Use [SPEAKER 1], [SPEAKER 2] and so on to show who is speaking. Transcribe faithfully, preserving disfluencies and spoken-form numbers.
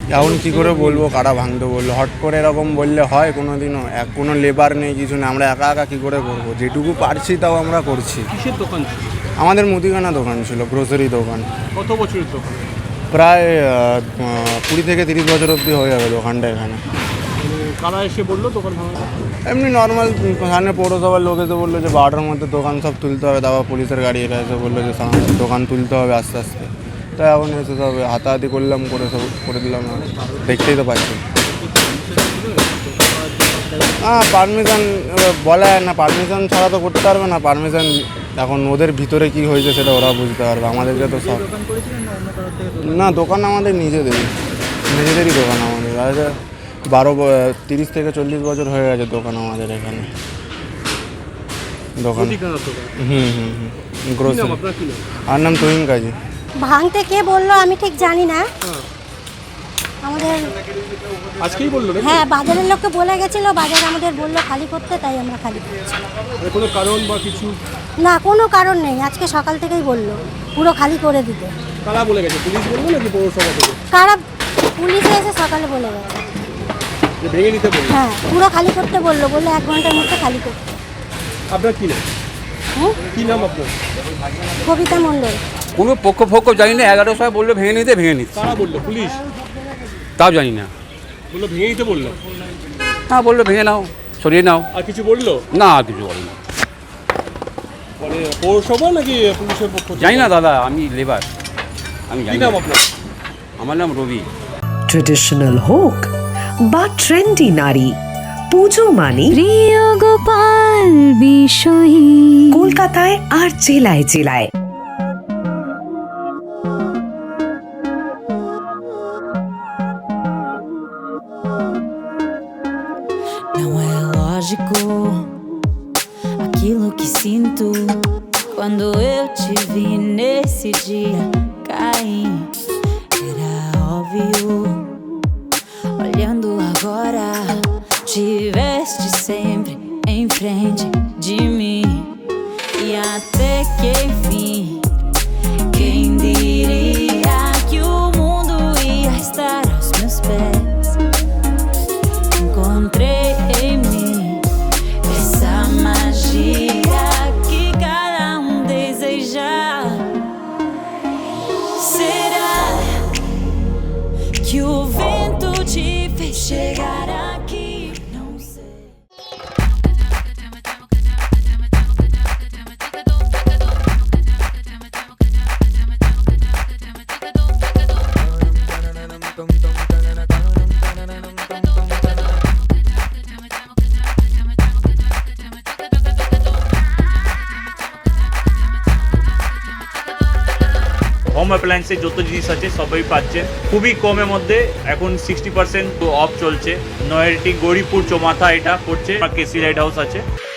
[SPEAKER 1] এখন কী করে বলবো কারা ভাঙতে বললো, হট করে এরকম বললে হয় কোনো দিনও? এক কোনো লেবার নেই, কিছু নেই, আমরা একা একা কী করে করবো? যেটুকু পারছি তাও আমরা করছি।
[SPEAKER 2] কিসের দোকান ছিল?
[SPEAKER 1] আমাদের মুদিখানা দোকান ছিল, গ্রোসারি দোকান।
[SPEAKER 2] কত বছরের দোকান?
[SPEAKER 1] প্রায় কুড়ি থেকে তিরিশ বছর অবধি হয়ে যাবে দোকানটা এখানে।
[SPEAKER 2] কারা এসে বললো দোকান ভাঙা?
[SPEAKER 1] এমনি নর্মাল সামনে পৌরসভার লোক এসে বললো যে বারোটার মধ্যে দোকান সব তুলতে হবে, তারপর পুলিশের গাড়ি এরা এসে বললো যে দোকান তুলতে হবে আস্তে আস্তে। তাই এখন এসে সব হাতাহাতি করলাম, করে সব করে দিলাম। দেখতেই তো পাচ্ছি। হ্যাঁ, পারমিশন বলা হয় না, পারমিশন ছাড়া তো করতে পারবে না। পারমিশন এখন ওদের ভিতরে কি হয়েছে সেটা ওরা বুঝতে পারবে, আমাদেরকে তো সব না। দোকান আমাদের নিজেদেরই, নিজেদেরই দোকান আমাদের। আজ বারো তিরিশ থেকে চল্লিশ বছর হয়ে গেছে দোকান আমাদের এখানে। দোকান হুম হুম হুম গ্রোসারি। আর নাম তুহিন কাজী।
[SPEAKER 3] ভাঙতে কে বললো আমি ঠিক জানি না। আমাদের
[SPEAKER 2] আজকেই বললো?
[SPEAKER 3] হ্যাঁ, বাজারের লোককে বলে গেছিলো, বাজার আমাদের বললো খালি করতে, তাই আমরা খালি করছি।
[SPEAKER 2] কোনো কারণ বা কিছু?
[SPEAKER 3] না, কোনো কারণ নেই, আজকে সকাল থেকেই বললো পুরো খালি করে দিতে।
[SPEAKER 2] কারা বলে গেছে? পুলিশ বললো নাকি পৌরসভা থেকে?
[SPEAKER 3] কারা? পুলিশে এসে সকালে বলে গেছে
[SPEAKER 2] ভেঙে নিতে বললো?
[SPEAKER 3] হ্যাঁ, পুরো খালি করতে বললো, বললো এক ঘন্টার মধ্যে খালি করতে।
[SPEAKER 2] আপনার কি নাম?
[SPEAKER 3] হুম,
[SPEAKER 2] কি নাম আপনার?
[SPEAKER 3] কবিতা মণ্ডল।
[SPEAKER 4] কোনো পক্ষ পক্ষ জানি না, এগারোটার সময় বললো ভেঙে নিতে, ভেঙে নিতে।
[SPEAKER 2] কারা বললো? পুলিশ?
[SPEAKER 4] তাও জানি না।
[SPEAKER 2] বললো ভেঙে নিতে বললো?
[SPEAKER 4] হ্যাঁ, বললো ভেঙে নাও, সরিয়ে নাও।
[SPEAKER 2] আর কিছু বললো
[SPEAKER 4] না, আর কিছু বলি না।
[SPEAKER 2] মানে পৌরসভা নাকি পুলিশের পক্ষ?
[SPEAKER 4] জানি না দাদা, আমি লেবার, আমি জানি
[SPEAKER 2] কি
[SPEAKER 4] না।
[SPEAKER 2] নাম আপনার?
[SPEAKER 4] আমার নাম রবি।
[SPEAKER 5] ট্রেডিশনাল হোক বা ট্রেন্ডি নারী, পুজো মানে
[SPEAKER 6] প্রিয় গোপাল বিষয়ী
[SPEAKER 5] কলকাতায় আর জেলায় জেলায়।
[SPEAKER 6] Não é lógico aquilo que sinto quando eu te vi nesse dia cair. Era óbvio, olhando agora, tiveste sempre em frente de mim. E até que enfim, quem diria que o mundo ia estar aos meus pés? Encontrei em mim essa magia que cada um deseja. Será que o vento te fez chegar aqui? Não sei.
[SPEAKER 7] Home অ্যাপ্লায়েন্সে যত জিনিস আছে সবই পাচ্ছেন খুবই কমের মধ্যে। এখন সিক্সটি পার্সেন্ট অফ চলছে। নয়ারটি গৌরীপুর চৌমাথা এটা পড়ছে, কেসি লাইট হাউস আছে।